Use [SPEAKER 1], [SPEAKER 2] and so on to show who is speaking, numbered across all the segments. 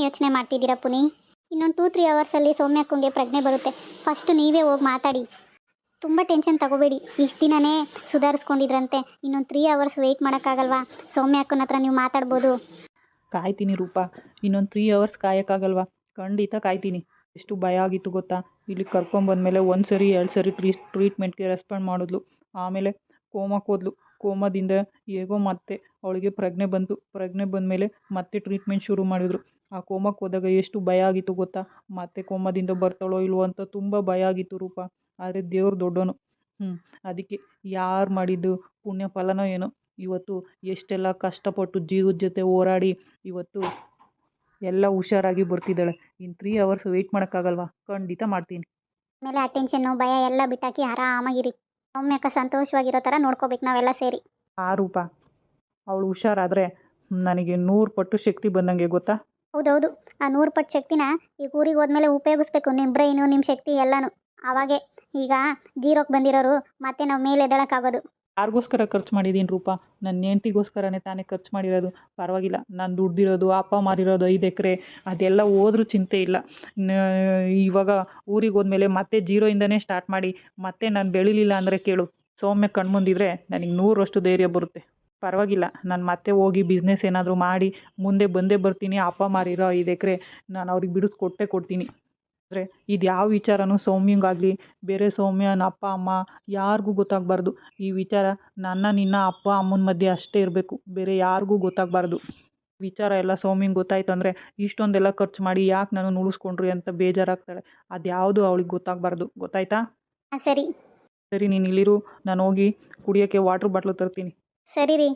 [SPEAKER 1] ಯೋಚನೆ ಮಾಡ್ತಿದ್ದೀರಾ ಪುನಿ? ಇನ್ನೊಂದು 2-3 ಅವರ್ಸಲ್ಲಿ ಸೌಮ್ಯಕ್ಕಂಗೆ ಪ್ರಜ್ಞೆ ಬರುತ್ತೆ. ಫಸ್ಟ್ ನೀವೇ ಹೋಗಿ ಮಾತಾಡಿ. ತುಂಬ ಟೆನ್ಷನ್ ತಗೋಬೇಡಿ. ಇಷ್ಟು ದಿನವೇ ಸುಧಾರಿಸ್ಕೊಂಡಿದ್ರಂತೆ. ಇನ್ನೊಂದು 3 ಅವರ್ಸ್ ವೆಯ್ಟ್ ಮಾಡೋಕ್ಕಾಗಲ್ವಾ? ಸೌಮ್ಯಕ್ಕನ ಹತ್ರ ನೀವು ಮಾತಾಡ್ಬೋದು.
[SPEAKER 2] ಕಾಯ್ತೀನಿ ರೂಪಾ, ಇನ್ನೊಂದು 3 ಅವರ್ಸ್ ಕಾಯೋಕ್ಕಾಗಲ್ವಾ? ಖಂಡಿತ ಕಾಯ್ತೀನಿ. ಎಷ್ಟು ಭಯ ಆಗಿತ್ತು ಗೊತ್ತಾ? ಇಲ್ಲಿ ಕರ್ಕೊಂಬಂದಮೇಲೆ 1 ಸರಿ 2 ಸರಿ ಟ್ರೀಟ್ಮೆಂಟ್ಗೆ ರೆಸ್ಪಾಂಡ್ ಮಾಡಿದ್ಲು. ಆಮೇಲೆ ಕೋಮಕ್ಕೆ ಹೋದ್ಲು. ಕೋಮದಿಂದ ಹೇಗೋ ಮತ್ತೆ ಅವಳಿಗೆ ಪ್ರಜ್ಞೆ ಬಂತು. ಪ್ರಜ್ಞೆ ಬಂದಮೇಲೆ ಮತ್ತೆ ಟ್ರೀಟ್ಮೆಂಟ್ ಶುರು ಮಾಡಿದ್ರು. ಆ ಕೋಮಕ್ಕೆ ಹೋದಾಗ ಎಷ್ಟು ಭಯ ಆಗಿತ್ತು ಗೊತ್ತಾ? ಮತ್ತೆ ಕೋಮದಿಂದ ಬರ್ತಾಳೋ ಇಲ್ವೋ ಅಂತ ತುಂಬ ಭಯ ಆಗಿತ್ತು ರೂಪಾ. ಆದರೆ ದೇವ್ರು ದೊಡ್ಡವನು. ಅದಕ್ಕೆ ಯಾರು ಮಾಡಿದ್ದು ಪುಣ್ಯ ಫಲನೋ ಏನೋ, ಇವತ್ತು ಎಷ್ಟೆಲ್ಲ ಕಷ್ಟಪಟ್ಟು ಜೀವದ ಜೊತೆ ಹೋರಾಡಿ ಇವತ್ತು ಎಲ್ಲ ಹುಷಾರಾಗಿ ಬರ್ತಿದ್ದಾಳೆ. ಇನ್ನು 3 ಅವರ್ಸ್ ವೆಯ್ಟ್ ಮಾಡೋಕ್ಕಾಗಲ್ವಾ? ಖಂಡಿತ ಮಾಡ್ತೀನಿ.
[SPEAKER 1] ಆಮೇಲೆ ಆ ಟೆನ್ಷನ್ನು ಭಯ ಎಲ್ಲ ಬಿಟ್ಟಾಕಿ ಆರಾಮಾಗಿರಿ. ಸೌಮ್ಯಕ್ಕ ಸಂತೋಷವಾಗಿರೋ ಥರ ನೋಡ್ಕೋಬೇಕು ನಾವೆಲ್ಲ ಸೇರಿ.
[SPEAKER 2] ಆ ರೂಪಾ, ಅವಳು ಹುಷಾರಾದರೆ ನನಗೆ 100 ಪಟ್ಟು ಶಕ್ತಿ ಬಂದಂಗೆ ಗೊತ್ತಾ?
[SPEAKER 1] ಹೌದೌದು, ಆ 100 ಪಟ್ಟು ಶಕ್ತಿನ ಈಗ ಊರಿಗೆ ಹೋದ್ಮೇಲೆ ಉಪಯೋಗಿಸ್ಬೇಕು. ನಿಮ್ಮ ಬ್ರೈನು, ನಿಮ್ಮ ಶಕ್ತಿ ಎಲ್ಲನೂ. ಆವಾಗೇ ಈಗ ಜೀರೋಕ್ಕೆ ಬಂದಿರೋರು ಮತ್ತೆ ನಾವು ಮೇಲೆ ಎದ್ದೇಳೋಕ್ಕಾಗೋದು.
[SPEAKER 2] ಯಾರಿಗೋಸ್ಕರ ಖರ್ಚು ಮಾಡಿದ್ದೀನಿ ರೂಪಾ? ನನ್ನ ಹೆಂಡ್ತಿಗೋಸ್ಕರನೇ ತಾನೇ ಖರ್ಚು ಮಾಡಿರೋದು. ಪರವಾಗಿಲ್ಲ, ನಾನು ದುಡ್ದಿರೋದು, ಅಪ್ಪ ಮಾರಿರೋದು 5 ಎಕರೆ ಅದೆಲ್ಲ ಹೋದ್ರೂ ಚಿಂತೆ ಇಲ್ಲ. ಇವಾಗ ಊರಿಗೆ ಹೋದ್ಮೇಲೆ ಮತ್ತೆ ಜೀರೋಯಿಂದನೇ ಸ್ಟಾರ್ಟ್ ಮಾಡಿ ಮತ್ತೆ ನಾನು ಬೆಳಿಲಿಲ್ಲ ಅಂದರೆ ಕೇಳು, ಸೌಮ್ಯ ಕಣ್ಮುಂದಿದ್ರೆ ನನಗೆ 100ರಷ್ಟು ಧೈರ್ಯ ಬರುತ್ತೆ. ಪರವಾಗಿಲ್ಲ, ನಾನು ಮತ್ತೆ ಹೋಗಿ ಬಿಸ್ನೆಸ್ ಏನಾದರೂ ಮಾಡಿ ಮುಂದೆ ಬಂದೇ ಬರ್ತೀನಿ. ಅಪ್ಪ ಮಾರಿರೋ 5 ಎಕರೆ ನಾನು ಅವ್ರಿಗೆ ಬಿಡಿಸ್ಕೊಟ್ಟೇ ಕೊಡ್ತೀನಿ. ಆದರೆ ಇದು ಯಾವ ವಿಚಾರನೂ ಸೌಮ್ಯಂಗಾಗಲಿ ಬೇರೆ ಸೌಮ್ಯನ ಅಪ್ಪ ಅಮ್ಮ ಯಾರಿಗೂ ಗೊತ್ತಾಗಬಾರ್ದು. ಈ ವಿಚಾರ ನಿನ್ನ ಅಪ್ಪ ಅಮ್ಮನ ಮಧ್ಯೆ ಅಷ್ಟೇ ಇರಬೇಕು, ಬೇರೆ ಯಾರಿಗೂ ಗೊತ್ತಾಗಬಾರ್ದು. ವಿಚಾರ ಎಲ್ಲ ಸೌಮ್ಯಂಗೆ ಗೊತ್ತಾಯ್ತು ಅಂದರೆ ಇಷ್ಟೊಂದೆಲ್ಲ ಖರ್ಚು ಮಾಡಿ ಯಾಕೆ ನಾನು ಉಳಿಸ್ಕೊಂಡ್ರಿ ಅಂತ ಬೇಜಾರಾಗ್ತಾಳೆ. ಅದ್ಯಾವುದು ಅವಳಿಗೆ ಗೊತ್ತಾಗಬಾರ್ದು. ಗೊತ್ತಾಯ್ತಾ?
[SPEAKER 1] ಸರಿ
[SPEAKER 2] ಸರಿ, ನೀನು ಇಲ್ಲಿರು, ನಾನು ಹೋಗಿ ಕುಡಿಯೋಕ್ಕೆ ವಾಟ್ರ್ ಬಾಟ್ಲು ತರ್ತೀನಿ.
[SPEAKER 1] ಸರಿ ರೀ.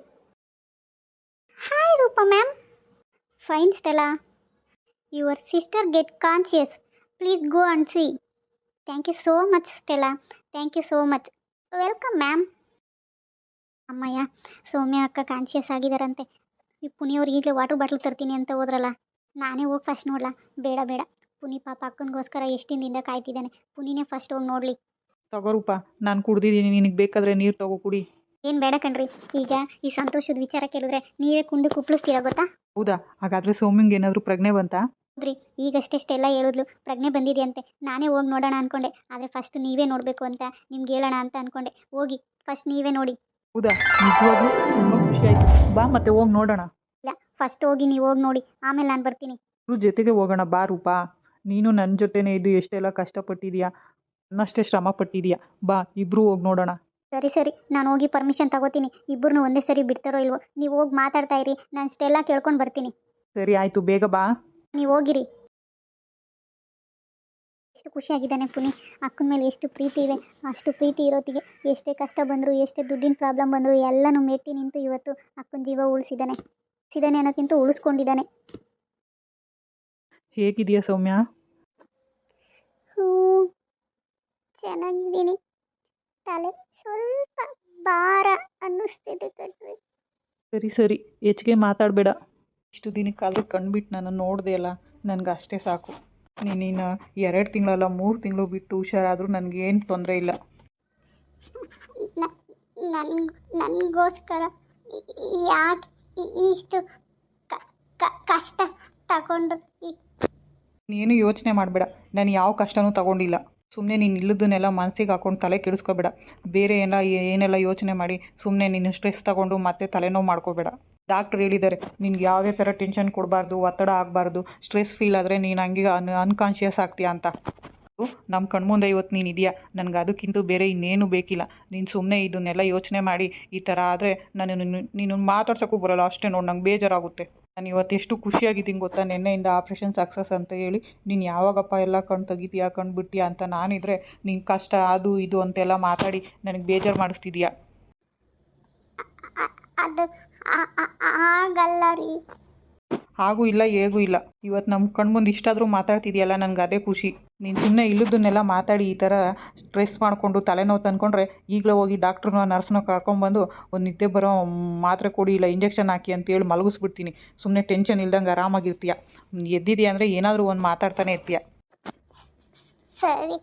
[SPEAKER 1] Hi Rupa ma'am. Fine Stella. Your sister get conscious. Please go and see. Thank you so much Stella. Thank you so much. Welcome ma'am. ಅಮ್ಮಯ್ಯ, ಸೌಮ್ಯ ಅಕ್ಕ ಕಾನ್ಶಿಯಸ್ ಆಗಿದ್ದಾರಂತೆ. ಈ ಪುನಿಯವ್ರು ಈಗಲೇ ವಾಟರ್ ಬಾಟ್ಲು ತರ್ತೀನಿ ಅಂತ ಹೋದ್ರಲ್ಲ, ನಾನೇ ಹೋಗಿ ಫಸ್ಟ್ ನೋಡ್ಲಾ? ಬೇಡ ಬೇಡ, ಪುನಿ ಪಾಪ ಅಕ್ಕನಿಗೋಸ್ಕರ ಎಷ್ಟು ದಿನದಿಂದ ಕಾಯ್ತಿದ್ದಾನೆ. ಪುನಿನೇ ಫಸ್ಟ್ ಹೋಗಿ ನೋಡಲಿ.
[SPEAKER 2] ತಗೋರೂಪ, ನಾನು ಕುಡ್ದಿದ್ದೀನಿ, ನಿನಗೆ ಬೇಕಾದರೆ ನೀರು ತಗೋ ಕುಡಿ.
[SPEAKER 1] ಏನು ಬೇಡ ಕಣ್ರಿ. ಈಗ ಈ ಸಂತೋಷದ ವಿಚಾರ ಕೇಳಿದ್ರೆ ನೀವೇ ಕುಂದು ಕುಪ್ಳಿಸ್ತೀರಾ ಗೊತ್ತಾ?
[SPEAKER 2] ಹೌದಾ? ಹಾಗಾದರೆ ಸೌಮ್ಯಂಗೆ ಏನಾದರೂ ಪ್ರಜ್ಞೆ ಬಂತಾ?
[SPEAKER 1] ಹೌದ್ರಿ, ಈಗಷ್ಟೆಲ್ಲ ಹೇಳಿದ್ಲು ಪ್ರಜ್ಞೆ ಬಂದಿದೆಯಂತೆ. ನಾನೇ ಹೋಗಿ ನೋಡೋಣ ಅಂದ್ಕೊಂಡೆ, ಆದರೆ ಫಸ್ಟ್ ನೀವೇ ನೋಡಬೇಕು ಅಂತ ನಿಮ್ಗೆ ಹೇಳೋಣ ಅಂತ ಅಂದ್ಕೊಂಡೆ. ಹೋಗಿ ಫಸ್ಟ್ ನೀವೇ ನೋಡಿ.
[SPEAKER 2] ಹೌದಾ? ನಿಜವಾಗ್ಲೂ ತುಂಬ ಖುಷಿ ಆಯಿತು. ಬಾ ಮತ್ತೆ ಹೋಗಿ ನೋಡೋಣ.
[SPEAKER 1] ಇಲ್ಲ, ಫಸ್ಟ್ ಹೋಗಿ ನೀವು ಹೋಗಿ ನೋಡಿ, ಆಮೇಲೆ ನಾನು ಬರ್ತೀನಿ.
[SPEAKER 2] ಇಬ್ಬರು ಜೊತೆಗೆ ಹೋಗೋಣ ಬಾ ರೂಪಾ. ನೀನು ನನ್ನ ಜೊತೆನೇ ಇದ್ದು ಎಷ್ಟೆಲ್ಲ ಕಷ್ಟಪಟ್ಟಿದೀಯಾ, ನನ್ನಷ್ಟೇ ಶ್ರಮ ಪಟ್ಟಿದೀಯಾ. ಬಾ ಇಬ್ಬರು ಹೋಗಿ ನೋಡೋಣ.
[SPEAKER 1] ಸರಿ ಸರಿ, ನಾನು ಹೋಗಿ ಪರ್ಮಿಷನ್ ತಗೋತೀನಿ. ಇಬ್ಬರನ್ನೂ ಒಂದೇ ಸರಿ ಬಿಡ್ತಾರೋ ಇಲ್ವೋ, ನೀವು ಹೋಗಿ ಮಾತಾಡ್ತಾ ಇರಿ, ನಾನು ಇಷ್ಟೆಲ್ಲ ಕೇಳ್ಕೊಂಡು ಬರ್ತೀನಿ.
[SPEAKER 2] ಸರಿ ಆಯಿತು, ಬೇಗ ಬಾ.
[SPEAKER 1] ನೀವು ಹೋಗಿರಿ. ಎಷ್ಟು ಖುಷಿಯಾಗಿದ್ದಾನೆ ಪುನಿ. ಅಕ್ಕನ ಮೇಲೆ ಎಷ್ಟು ಪ್ರೀತಿ ಇದೆ. ಅಷ್ಟು ಪ್ರೀತಿ ಇರೋತ್ತಿಗೆ ಎಷ್ಟೇ ಕಷ್ಟ ಬಂದರೂ ಎಷ್ಟೇ ದುಡ್ಡಿನ ಪ್ರಾಬ್ಲಮ್ ಬಂದರೂ ಎಲ್ಲನೂ ಮೆಟ್ಟಿ ನಿಂತು ಇವತ್ತು ಅಕ್ಕನ ಜೀವ ಉಳಿಸಿದ್ದಾನೆ ಅನ್ನೋಕ್ಕಿಂತ ಉಳಿಸ್ಕೊಂಡಿದ್ದಾನೆ.
[SPEAKER 2] ಹೇಗಿದೆಯಾ ಸೌಮ್ಯ?
[SPEAKER 1] ಚೆನ್ನಾಗಿದ್ದೀನಿ. ತಲೆ ಸ್ವಲ್ಪ ಭಾರ ಅನ್ನಿಸ್ತಿದೆ ಕಣ್ರಿ.
[SPEAKER 2] ಸರಿ ಸರಿ, ಹೆಚ್ಚಿಗೆ ಮಾತಾಡಬೇಡ. ಇಷ್ಟು ದಿನಕ್ಕಾದರೂ ಕಣ್ಬಿಟ್ಟು ನಾನು ನೋಡಿದೆ ಅಲ್ಲ, ನನಗೆ ಅಷ್ಟೇ ಸಾಕು. ನೀನು 2 ತಿಂಗಳಲ್ಲ 3 ತಿಂಗಳು ಬಿಟ್ಟು ಹುಷಾರಾದರೂ ನನಗೇನು ತೊಂದರೆ ಇಲ್ಲ.
[SPEAKER 1] ನನಗೋಸ್ಕರ ಯಾಕೆ ಇಷ್ಟು ಕಷ್ಟ ತಗೊಂಡು?
[SPEAKER 2] ನೀನು ಯೋಚನೆ ಮಾಡಬೇಡ, ನಾನು ಯಾವ ಕಷ್ಟನೂ ತಗೊಂಡಿಲ್ಲ. ಸುಮ್ಮನೆ ನೀನು ಇಲ್ಲದನ್ನೆಲ್ಲ ಮನಸ್ಸಿಗೆ ಹಾಕೊಂಡು ತಲೆ ಕೆಡಿಸ್ಕೋಬೇಡ. ಬೇರೆ ಏನೆಲ್ಲ ಯೋಚನೆ ಮಾಡಿ ಸುಮ್ಮನೆ ನೀನು ಸ್ಟ್ರೆಸ್ ತಗೊಂಡು ಮತ್ತೆ ತಲೆನೋವು ಮಾಡ್ಕೋಬೇಡ. ಡಾಕ್ಟ್ರ್ ಹೇಳಿದ್ದಾರೆ, ನಿನ್ಗೆ ಯಾವುದೇ ಥರ ಟೆನ್ಷನ್ ಕೊಡಬಾರ್ದು, ಒತ್ತಡ ಆಗಬಾರ್ದು. ಸ್ಟ್ರೆಸ್ ಫೀಲ್ ಆದರೆ ನೀನು ಹಂಗೆ ಅನ್ಕಾನ್ಷಿಯಸ್ ಆಗ್ತೀಯಾ ಅಂತ. ನಮ್ಮ ಕಣ್ಮುಂದೆ ಇವತ್ತು ನೀನು ಇದೆಯಾ, ನನಗೆ ಅದಕ್ಕಿಂತ ಬೇರೆ ಇನ್ನೇನು ಬೇಕಿಲ್ಲ. ನೀನು ಸುಮ್ಮನೆ ಇದನ್ನೆಲ್ಲ ಯೋಚನೆ ಮಾಡಿ ಈ ಥರ ಆದರೆ ನೀನು ಮಾತಾಡ್ಸೋಕ್ಕೂ ಬರೋಲ್ಲ ಅಷ್ಟೇ. ನೋಡಿ, ನಂಗೆ ಬೇಜಾರಾಗುತ್ತೆ. ನಾನು ಇವತ್ತು ಎಷ್ಟು ಖುಷಿಯಾಗಿದ್ದೀನಿ ಗೊತ್ತಾ, ನಿನ್ನೆಯಿಂದ ಆಪ್ರೇಷನ್ ಸಕ್ಸಸ್ ಅಂತ ಹೇಳಿ. ನೀನು ಯಾವಾಗಪ್ಪ ಎಲ್ಲ ಕಣ್ಣು ತೆಗಿತೀಯಾ, ಕಣ್ಣು ಬಿಡ್ತೀಯಾ ಅಂತ ನಾನಿದ್ರೆ ನಿನ್ನ ಕಷ್ಟ ಅದು ಇದು ಅಂತೆಲ್ಲ ಮಾತಾಡಿ ನನಗೆ ಬೇಜಾರು ಮಾಡಿಸ್ತಿದ್ಯಾ.
[SPEAKER 1] ಅದು ಆಗಲ್ಲ ರೀ.
[SPEAKER 2] ಹಾಗೂ ಇಲ್ಲ ಹೇಗೂ ಇಲ್ಲ. ಇವತ್ತು ನಮ್ಮ ಕಣ್ಮುಂದೆ ಇಷ್ಟಾದರೂ ಮಾತಾಡ್ತಿದ್ಯಲ್ಲ, ನನಗೆ ಅದೇ ಖುಷಿ. ನೀನು ಸುಮ್ಮನೆ ಇಲ್ಲದನ್ನೆಲ್ಲ ಮಾತಾಡಿ ಈ ಥರ ಸ್ಟ್ರೆಸ್ ಮಾಡಿಕೊಂಡು ತಲೆನೋವು ತಂದ್ಕೊಂಡ್ರೆ ಈಗಲೇ ಹೋಗಿ ಡಾಕ್ಟ್ರನ್ನ ನರ್ಸ್ನ ಕರ್ಕೊಂಡ್ಬಂದು ಒಂದು ನಿದ್ದೆ ಬರೋ ಮಾತ್ರೆ ಕೊಡಿ, ಇಲ್ಲ ಇಂಜೆಕ್ಷನ್ ಹಾಕಿ ಅಂತೇಳಿ ಮಲಗಿಸ್ಬಿಡ್ತೀನಿ. ಸುಮ್ಮನೆ ಟೆನ್ಷನ್ ಇಲ್ದಂಗೆ ಆರಾಮಾಗಿರ್ತೀಯ. ಎದ್ದಿದೆಯಾ ಅಂದರೆ ಏನಾದರೂ ಒಂದು ಮಾತಾಡ್ತಾನೆ ಇರ್ತೀಯ.
[SPEAKER 1] ಸರಿ.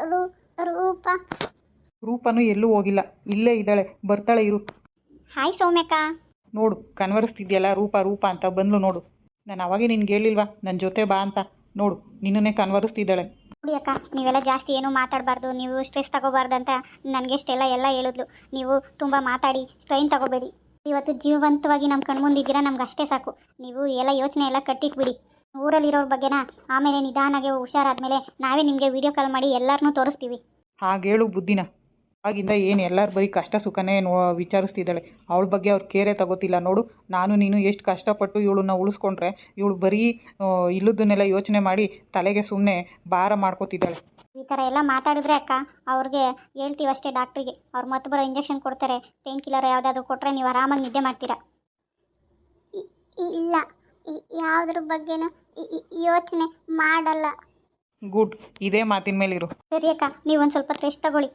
[SPEAKER 2] ರೂಪನೂ ಎಲ್ಲೂ ಹೋಗಿಲ್ಲ, ಇಲ್ಲೇ ಇದ್ದಾಳೆ, ಬರ್ತಾಳೆ ಇರು.
[SPEAKER 1] ಹಾಯ್ ಸೌಮ್ಯಕ್ಕ.
[SPEAKER 2] ನೋಡು, ಕನ್ವರಿಸ್ತಿದ್ಯಲ್ಲ ರೂಪ ರೂಪ ಅಂತ ಬಂದ್ಲು ನೋಡು. ನಾನು ಅವಾಗೇ ನಿನ್ಗೆ ಹೇಳಿಲ್ವಾ ನನ್ನ ಜೊತೆ ಬಾ ಅಂತ. ನೋಡು ನಿನ್ನನ್ನೇ ಕನ್ವರಿಸ್ತಿದ್ದಾಳೆ.
[SPEAKER 1] ನೋಡಿ ಅಕ್ಕ, ನೀವೆಲ್ಲ ಜಾಸ್ತಿ ಏನೂ ಮಾತಾಡಬಾರ್ದು, ನೀವು ಸ್ಟ್ರೆಸ್ ತಗೋಬಾರ್ದು ಅಂತ ನನಗೆ ಎಲ್ಲ ಹೇಳಿದ್ಲು. ನೀವು ತುಂಬ ಮಾತಾಡಿ ಸ್ಟ್ರೈನ್ ತಗೋಬೇಡಿ. ಇವತ್ತು ಜೀವಂತವಾಗಿ ನಮ್ಮ ಕಣ್ಮುಂದಿದ್ದೀರಾ, ನಮ್ಗೆ ಅಷ್ಟೇ ಸಾಕು. ನೀವು ಎಲ್ಲ ಯೋಚನೆ ಎಲ್ಲ ಕಟ್ಟಿಟ್ಬಿಡಿ. ಊರಲ್ಲಿರೋರ ಬಗ್ಗೆನ ಆಮೇಲೆ ನಿಧಾನಾಗೆ ಹುಷಾರಾದ್ಮೇಲೆ ನಾವೇ ನಿಮಗೆ ವಿಡಿಯೋ ಕಾಲ್ ಮಾಡಿ ಎಲ್ಲರನ್ನೂ ತೋರಿಸ್ತೀವಿ.
[SPEAKER 2] ಹಾಗೇಳು ಬುದ್ಧಿನ. ಆಗಿಂದ ಏನು ಎಲ್ಲರ ಬರೀ ಕಷ್ಟ ಸುಖನೇ ವಿಚಾರಿಸ್ತಿದ್ದಾಳೆ. ಅವಳ ಬಗ್ಗೆ ಅವ್ರು ಕೇರೇ ತಗೋತಿಲ್ಲ. ನೋಡು ನಾನು ನೀನು ಎಷ್ಟು ಕಷ್ಟಪಟ್ಟು ಇವಳನ್ನ ಉಳಿಸ್ಕೊಂಡ್ರೆ ಇವಳು ಬರೀ ಇಲ್ಲದನ್ನೆಲ್ಲ ಯೋಚನೆ ಮಾಡಿ ತಲೆಗೆ ಸುಮ್ಮನೆ ಭಾರ ಮಾಡ್ಕೋತಿದ್ದಾಳೆ.
[SPEAKER 1] ಈ ಥರ ಎಲ್ಲ ಮಾತಾಡಿದ್ರೆ ಅಕ್ಕ, ಅವ್ರಿಗೆ ಹೇಳ್ತೀವಿ ಅಷ್ಟೇ ಡಾಕ್ಟ್ರಿಗೆ. ಅವ್ರು ಮತ್ತೆ ಬರೋ ಇಂಜೆಕ್ಷನ್ ಕೊಡ್ತಾರೆ, ಪೇನ್ ಕಿಲ್ಲರ್ ಯಾವುದಾದ್ರೂ ಕೊಟ್ಟರೆ ನೀವು ಆರಾಮಾಗಿ ನಿದ್ದೆ ಮಾಡ್ತೀರಾ. ಇಲ್ಲ, ಯಾವುದ್ರ ಬಗ್ಗೆನೂ ಯೋಚನೆ ಮಾಡಲ್ಲ.
[SPEAKER 2] ಗುಡ್, ಇದೇ ಮಾತಿನ ಮೇಲಿರು.
[SPEAKER 1] ಸರಿ ಅಕ್ಕ, ನೀವು ಒಂದು ಸ್ವಲ್ಪ ರೆಸ್ಟ್ ತಗೊಳ್ಳಿ.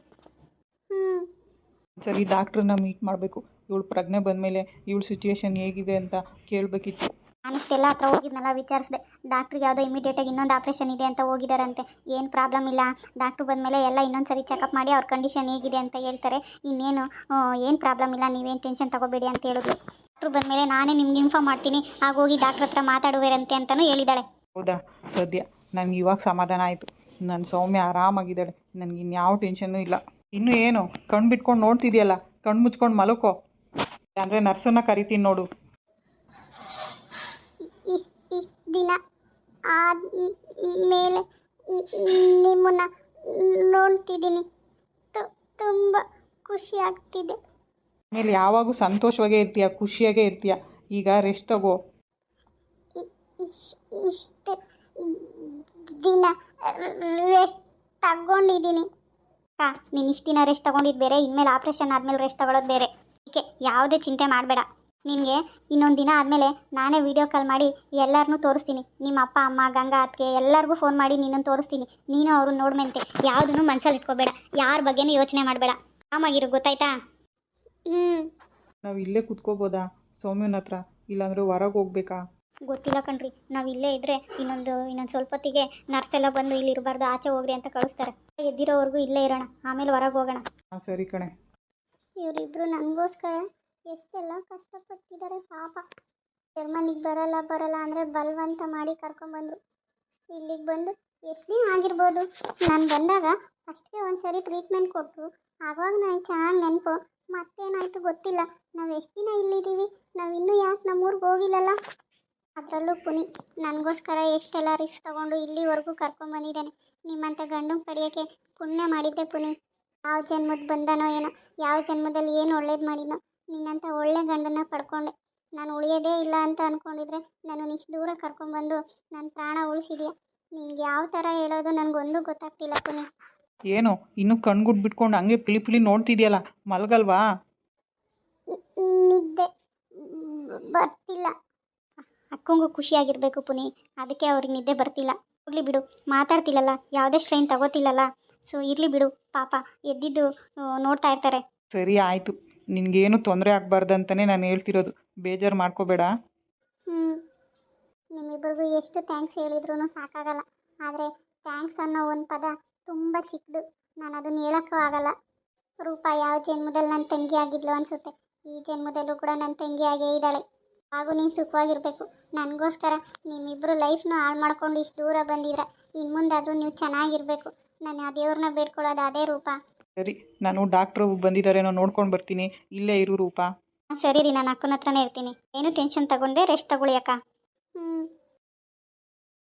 [SPEAKER 2] ಸರಿ, ಡಾಕ್ಟ್ರನ್ನ ಮೀಟ್ ಮಾಡಬೇಕು. ಇವಳು ಪ್ರಜ್ಞೆ ಬಂದಮೇಲೆ ಇವಳ ಸಿಚುವೇಶನ್ ಹೇಗಿದೆ ಅಂತ ಕೇಳಬೇಕಿತ್ತು.
[SPEAKER 1] ನಾನಿಷ್ಟೆಲ್ಲ ಹತ್ರ ಹೋಗಿದ್ನಲ್ಲ, ವಿಚಾರಿಸಿದೆ. ಡಾಕ್ಟ್ರಿಗೆ ಯಾವುದೋ ಇಮಿಡಿಯೇಟಾಗಿ ಇನ್ನೊಂದು ಆಪ್ರೇಷನ್ ಇದೆ ಅಂತ ಹೋಗಿದ್ದಾರಂತೆ. ಏನು ಪ್ರಾಬ್ಲಮ್ ಇಲ್ಲ, ಡಾಕ್ಟ್ರು ಬಂದಮೇಲೆ ಎಲ್ಲ ಇನ್ನೊಂದು ಸರಿ ಚೆಕಪ್ ಮಾಡಿ ಅವ್ರ ಕಂಡೀಷನ್ ಹೇಗಿದೆ ಅಂತ ಹೇಳ್ತಾರೆ. ಇನ್ನೇನು ಏನು ಪ್ರಾಬ್ಲಮ್ ಇಲ್ಲ, ನೀವೇನು ಟೆನ್ಷನ್ ತಗೋಬೇಡಿ ಅಂತ ಹೇಳಿದ್ರು. ಡಾಕ್ಟ್ರು ಬಂದಮೇಲೆ ನಾನೇ ನಿಮ್ಗೆ ಇನ್ಫಾರ್ಮ್ ಮಾಡ್ತೀನಿ, ಆಗೋಗಿ ಡಾಕ್ಟ್ರ್ ಹತ್ರ ಮಾತಾಡುವಿರಂತೆ ಅಂತಲೂ ಹೇಳಿದ್ದಾಳೆ.
[SPEAKER 2] ಹೌದಾ, ಸದ್ಯ ನನಗೆ ಇವಾಗ ಸಮಾಧಾನ ಆಯಿತು. ನನ್ನ ಸೌಮ್ಯ ಆರಾಮಾಗಿದ್ದಾಳೆ, ನನಗೆ ಇನ್ಯಾವ ಟೆನ್ಷನ್ನೂ ಇಲ್ಲ. ಇನ್ನೂ ಏನು ಕಣ್ಣು ಬಿಟ್ಕೊಂಡು ನೋಡ್ತಿದ್ಯಲ್ಲ, ಕಣ್ಣು ಮುಚ್ಕೊಂಡು ಮಲಕೋ, ಅಂದರೆ ನರ್ಸನ್ನ ಕರಿತೀನಿ ನೋಡು.
[SPEAKER 1] ಇಷ್ಟು ದಿನ ಆದಮೇಲೆ ನಿಮ್ಮನ್ನು ನೋಡ್ತಿದ್ದೀನಿ, ತುಂಬ ಖುಷಿ ಆಗ್ತಿದೆ.
[SPEAKER 2] ಆಮೇಲೆ ಯಾವಾಗೂ ಸಂತೋಷವಾಗೇ ಇರ್ತೀಯ, ಖುಷಿಯಾಗೇ ಇರ್ತೀಯ. ಈಗ ರೆಸ್ಟ್ ತಗೋ.
[SPEAKER 1] ಇಷ್ಟು ದಿನ ರೆಸ್ಟ್ ತಗೊಂಡಿದ್ದೀನಿ. ನೀನು ಇಷ್ಟು ದಿನ ರೆಸ್ಟ್ ತಗೊಂಡಿದ್ದು ಬೇರೆ, ಇನ್ಮೇಲೆ ಆಪ್ರೇಷನ್ ಆದಮೇಲೆ ರೆಸ್ಟ್ ತಗೊಳ್ಳೋದು ಬೇರೆ. ಅದಕ್ಕೆ ಯಾವುದೇ ಚಿಂತೆ ಮಾಡಬೇಡ. ನಿನಗೆ ಇನ್ನೊಂದು ದಿನ ಆದಮೇಲೆ ನಾನೇ ವೀಡಿಯೋ ಕಾಲ್ ಮಾಡಿ ಎಲ್ಲರನ್ನೂ ತೋರಿಸ್ತೀನಿ. ನಿಮ್ಮ ಅಪ್ಪ ಅಮ್ಮ ಗಂಗಾ ಅತ್ತಿಗೆ ಎಲ್ಲರಿಗೂ ಫೋನ್ ಮಾಡಿ ನಿನ್ನನ್ನು ತೋರಿಸ್ತೀನಿ. ನೀನು ಅವ್ರನ್ನ ನೋಡ್ಮೆಂತೆ, ಯಾವುದನ್ನು ಮನಸ್ಸಲ್ಲಿ ಇಟ್ಕೋಬೇಡ, ಯಾರ ಬಗ್ಗೆನೂ ಯೋಚನೆ ಮಾಡಬೇಡ, ಆರಾಮಾಗಿರು, ಗೊತ್ತಾಯ್ತಾ?
[SPEAKER 2] ನಾವು ಇಲ್ಲೇ ಕುತ್ಕೋಬೋದಾ ಸೌಮ್ಯನ ಹತ್ರ, ಇಲ್ಲಾಂದರೆ ಹೊರಗೆ ಹೋಗ್ಬೇಕಾ?
[SPEAKER 1] ಗೊತ್ತಿಲ್ಲ ಕಣ್ರಿ, ನಾವು ಇಲ್ಲೇ ಇದ್ದರೆ ಇನ್ನೊಂದು ಸ್ವಲ್ಪ ಹೊತ್ತಿಗೆ ನರ್ಸ್ ಎಲ್ಲ ಬಂದು ಇಲ್ಲಿ ಇರಬಾರ್ದು, ಆಚೆ ಹೋಗ್ರಿ ಅಂತ ಕಳಿಸ್ತಾರೆ. ಎದ್ದಿರೋವರೆಗೂ ಇಲ್ಲೇ ಇರೋಣ, ಆಮೇಲೆ ಹೊರಗೆ ಹೋಗೋಣ.
[SPEAKER 2] ಹಾಂ ಸರಿ ಕಣೆ.
[SPEAKER 1] ಇವರಿಬ್ಬರು ನನಗೋಸ್ಕರ ಎಷ್ಟೆಲ್ಲ ಕಷ್ಟಪಡ್ತಿದ್ದಾರೆ ಪಾಪ. ಜರ್ಮನಿಗೆ ಬರಲ್ಲ ಅಂದರೆ ಬಲವಂತ ಮಾಡಿ ಕರ್ಕೊಂಬಂದರು. ಇಲ್ಲಿಗೆ ಬಂದು ಎಷ್ಟು ದಿನ ಆಗಿರ್ಬೋದು. ನಾನು ಬಂದಾಗ ಫಸ್ಟ್ಗೆ ಒಂದು ಸರಿ ಟ್ರೀಟ್ಮೆಂಟ್ ಕೊಟ್ಟರು, ಆವಾಗ ನನಗೆ ಚೆನ್ನಾಗಿ ನೆನಪು. ಮತ್ತೇನಾಯಿತು ಗೊತ್ತಿಲ್ಲ. ನಾವು ಎಷ್ಟು ದಿನ ಇಲ್ಲಿದ್ದೀವಿ, ನಾವು ಇನ್ನೂ ಯಾಕೆ ನಮ್ಮೂರಿಗೆ ಹೋಗಿಲ್ಲಲ್ಲ. ಅದರಲ್ಲೂ ಪುನಿ ನನಗೋಸ್ಕರ ಎಷ್ಟೆಲ್ಲ ರಿಸ್ಕ್ ತೊಗೊಂಡು ಇಲ್ಲಿವರೆಗೂ ಕರ್ಕೊಂಬಂದಿದ್ದಾನೆ. ನಿಮ್ಮಂಥ ಗಂಡನ ಪಡೆಯೋಕ್ಕೆ ಪುಣ್ಯ ಮಾಡಿದ್ದೆ ಪುನಿ. ಯಾವ ಜನ್ಮದ ಬಂದನೋ ಏನೋ, ಯಾವ ಜನ್ಮದಲ್ಲಿ ಏನು ಒಳ್ಳೇದು ಮಾಡಿನೋ, ನಿನ್ನಂಥ ಒಳ್ಳೆ ಗಂಡನ ಪಡ್ಕೊಂಡೆ. ನಾನು ಉಳಿಯೋದೇ ಇಲ್ಲ ಅಂತ ಅಂದ್ಕೊಂಡಿದ್ರೆ ನನ್ನನ್ನು ಇಷ್ಟು ದೂರ ಕರ್ಕೊಂಬಂದು ನನ್ನ ಪ್ರಾಣ ಉಳಿಸಿದ್ಯಾ. ನಿನ್ಗೆ ಯಾವ ಥರ ಹೇಳೋದು ನನಗೊಂದು ಗೊತ್ತಾಗ್ತಿಲ್ಲ ಪುನಿ.
[SPEAKER 2] ಏನು ಇನ್ನೂ ಕಣ್ಗುಡ್ ಬಿಟ್ಕೊಂಡು ಹಂಗೆ ಪಿಳಿ ನೋಡ್ತಿದ್ಯಲ್ಲ, ಮಲಗಲ್ವಾ?
[SPEAKER 1] ನಿದ್ದೆ ಬರ್ತಿಲ್ಲ. ಅಕ್ಕಂಗೂ ಖುಷಿಯಾಗಿರಬೇಕು ಪುನಿ, ಅದಕ್ಕೆ ಅವ್ರಿಗೆ ನಿದ್ದೆ ಬರ್ತಿಲ್ಲ. ಹೋಗ್ಲಿ ಬಿಡು, ಮಾತಾಡ್ತಿಲ್ಲಲ್ಲ, ಯಾವುದೇ ಸ್ಟ್ರೈನ್ ತಗೋತಿಲ್ಲಲ್ಲ, ಸೊ ಇರಲಿ ಬಿಡು, ಪಾಪ ಎದ್ದಿದ್ದು ನೋಡ್ತಾ ಇರ್ತಾರೆ.
[SPEAKER 2] ಸರಿ ಆಯಿತು, ನಿನಗೇನು ತೊಂದರೆ ಆಗಬಾರ್ದಂತಲೇ ನಾನು ಹೇಳ್ತಿರೋದು, ಬೇಜಾರು ಮಾಡ್ಕೋಬೇಡ.
[SPEAKER 1] ನಿಮ್ಮಿಬ್ಬರಿಗೂ ಎಷ್ಟು ಥ್ಯಾಂಕ್ಸ್ ಹೇಳಿದ್ರೂ ಸಾಕಾಗಲ್ಲ. ಆದರೆ ಥ್ಯಾಂಕ್ಸ್ ಅನ್ನೋ ಒಂದು ಪದ ತುಂಬ ಚಿಕ್ಕದು, ನಾನು ಅದನ್ನು ಹೇಳೋಕ್ಕೂ ಆಗಲ್ಲ. ರೂಪ ಯಾವ ಜನ್ಮದಲ್ಲಿ ನನ್ನ ತಂಗಿ ಆಗಿದ್ಲು ಅನಿಸುತ್ತೆ, ಈ ಜನ್ಮದಲ್ಲೂ ಕೂಡ ನನ್ನ ತಂಗಿಯಾಗೇ ಇದ್ದಾಳೆ. ಹಾಗೂ ನೀನು ಸುಖವಾಗಿರಬೇಕು. ನನಗೋಸ್ಕರ ನಿಮ್ಮಿಬ್ಬರು ಲೈಫ್ನ ಹಾಳು ಮಾಡ್ಕೊಂಡು ಇಷ್ಟು ದೂರ ಬಂದಿದ್ರ, ಇನ್ನು ಮುಂದಾದರೂ ನೀವು ಚೆನ್ನಾಗಿರಬೇಕು. ನಾನು ಆ ದೇವ್ರನ್ನ ಬೇಡ್ಕೊಳ್ಳೋದು ಅದೇ ರೂಪ.
[SPEAKER 2] ಸರಿ, ನಾನು ಡಾಕ್ಟ್ರು ಬಂದಿದ್ದಾರೇನೋ ನೋಡ್ಕೊಂಡು ಬರ್ತೀನಿ, ಇಲ್ಲೇ ಇರು ರೂಪ.
[SPEAKER 1] ಸರಿ ರೀ, ನಾನು ಅಕ್ಕನ ಹತ್ರನೇ ಇರ್ತೀನಿ. ಏನು ಟೆನ್ಷನ್ ತಗೊಂಡೆ, ರೆಸ್ಟ್ ತಗೊಳ್ಳಿ ಅಕ್ಕ.